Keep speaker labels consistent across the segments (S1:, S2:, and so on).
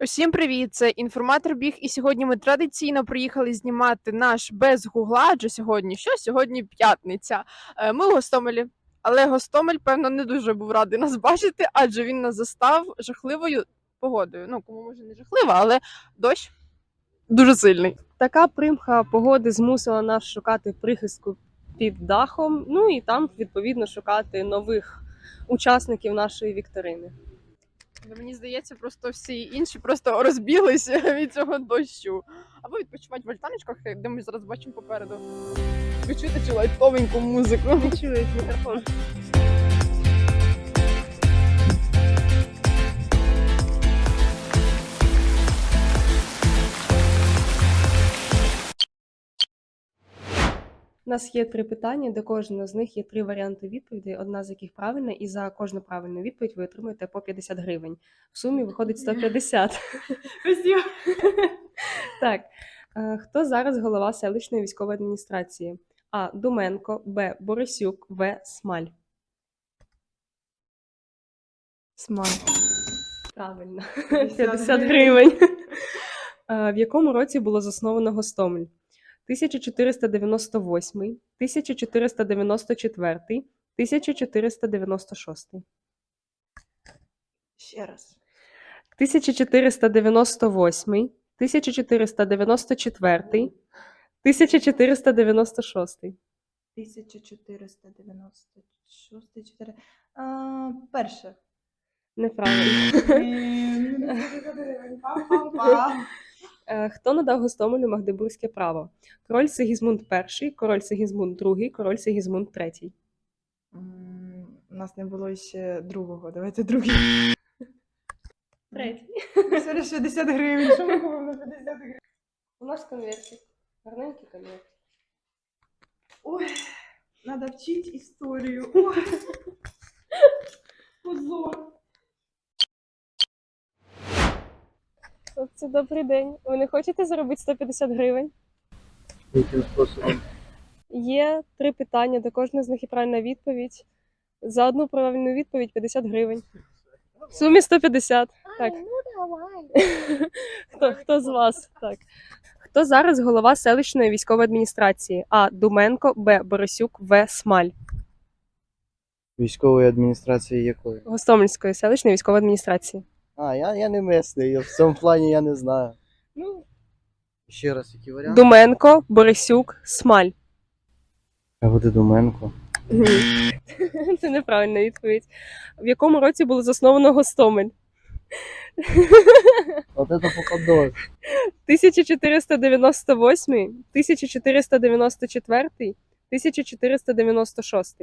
S1: Усім привіт! Це інформатор Біг, і сьогодні ми традиційно приїхали знімати наш без гугла, адже сьогодні що? Сьогодні п'ятниця. Ми в Гостомелі, але Гостомель, певно, не дуже був радий нас бачити, адже він нас застав жахливою погодою. Ну, кому може не жахлива, але дощ дуже сильний.
S2: Така примха погоди змусила нас шукати прихистку під дахом, ну і там, відповідно, шукати нових учасників нашої вікторини.
S1: Але мені здається, просто всі інші просто розбіглися від цього дощу. Або відпочивати в альтаночках, де ми зараз бачимо попереду. Ви чуєте цю лайтовеньку музику?
S2: Не чують мікрофон. У нас є 3 питання, до кожного з них є 3 варіанти відповідей, одна з яких правильна, і за кожну правильну відповідь ви отримуєте по 50 гривень. В сумі виходить 150. Так. Хто зараз голова селищної військової адміністрації? А. Думенко, Б. Борисюк, В. Смаль.
S1: Смаль.
S2: Правильно. 50 гривень. В якому році було засновано Гостомель? 1498, 1494, 1496.
S1: Ще раз.
S2: 1498, 1494, 1496.
S3: 1496, перше.
S2: Неправильно. Хто надав Гостомелю Магдебурзьке право? Король Сигізмунд І, король Сигізмунд II, король Сигізмунд III.
S3: У нас не було ще другого. Давайте другий.
S2: Третій.
S3: Сьогодні 60 гривень. Що ми купимо на 50 гривень?
S2: У нас конвертик. Гарненький конверт.
S3: Ой, треба вчити історію. Ой. Позор.
S2: Це добрий день. Ви не хочете заробити 150 гривень?
S4: Яким способом?
S2: Є 3 питання, до кожного з них є правильна відповідь. За одну правильну відповідь 50 гривень. В сумі 150. Так. Хто з вас? Так. Хто зараз голова селищної військової адміністрації? А. Думенко, Б. Борисюк, В. Смаль.
S4: Військової адміністрації якої?
S2: Гостомельської селищної військової адміністрації.
S4: Я не місний, в цьому плані я не знаю.
S2: Ну,
S4: Ще раз, які варіанти?
S2: Думенко, Борисюк, Смаль.
S4: А буде Думенко.
S2: Це неправильна відповідь. В якому році було засновано Гостомель?
S4: От це покадос.
S2: 1498, 1494, 1496.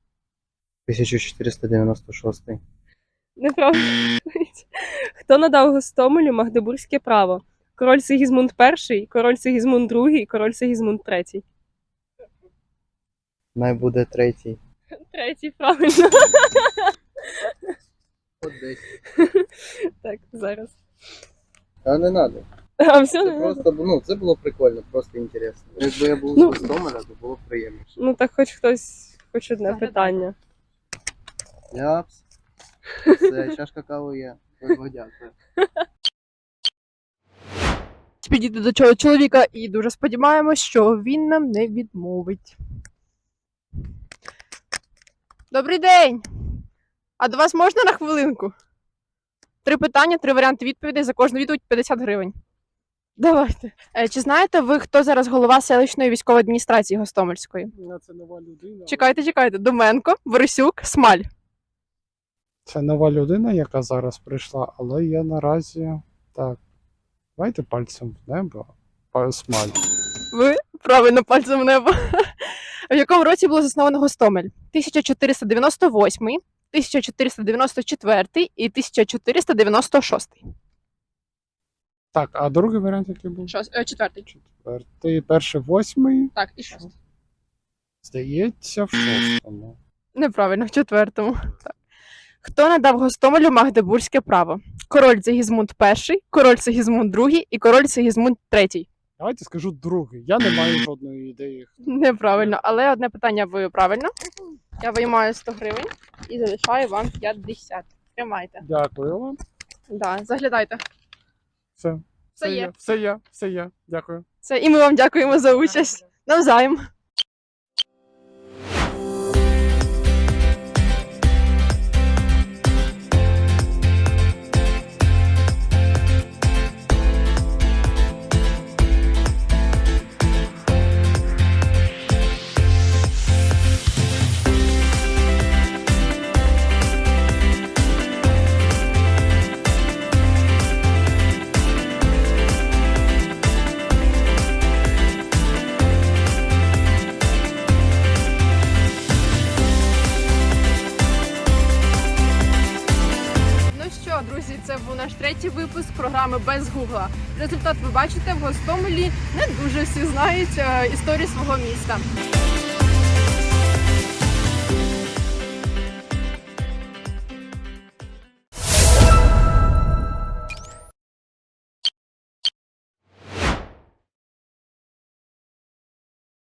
S4: 1496.
S2: Неправильно. Хто надав Гостомелю Магдебурзьке право? Король Сигізмунд І, король Сигізмунд II, король Сигізмунд III.
S4: Най буде третій.
S2: Третій, правильно.
S4: От десь.
S2: Так, зараз.
S4: Та не треба.
S2: А все
S4: Це
S2: не надо?
S4: просто, це було прикольно, просто інтересно. Якби я був з
S2: Ну.
S4: Гостомеля, то було б приємніше.
S2: Ну так хоч хтось, хоч одне
S1: Заглядай.
S2: питання.
S4: Ляпс. Все, чашка кави є. Ой, дякую.
S1: Підійти до цього чоловіка і дуже сподіваємось, що він нам не відмовить. Добрий день! А до вас можна на хвилинку? 3 питання, 3 варіанти відповідей, за кожну відповідь 50 гривень. Давайте. Чи знаєте ви, хто зараз голова селищної військової адміністрації Гостомельської?
S5: Це нова людина.
S1: Чекайте. Думенко, Борисюк, Смаль.
S5: Це нова людина, яка зараз прийшла, але я наразі. Так. Давайте пальцем в небо. Смаль.
S1: Ви правильно пальцем в небо. В якому році було засновано Гостомель? 1498, 1494 і 1496.
S5: Так, а другий варіант який був?
S1: Четвертий.
S5: Четвертий. Перший 8.
S1: Так, і шостий.
S5: Здається, в 6-му.
S1: Неправильно, в 4-му. Так. Хто надав Гостомелю Магдебурзьке право? Король Сигізмунд І, король Сигізмунд II і король Сигізмунд III.
S5: Давайте скажу другий. Я не маю жодної ідеї.
S1: Неправильно, але одне питання ви правильно. Я виймаю 100 гривень і залишаю вам 50. Тримайте.
S5: Дякую вам.
S1: Да, заглядайте.
S5: Все.
S1: Все є.
S5: Все є. Дякую.
S1: Це і ми вам дякуємо за участь. Навзаєм. Ну що, друзі, це був наш третій випуск програми без гугла. Результат ви бачите, в Гостомелі не дуже всі знають історію свого міста.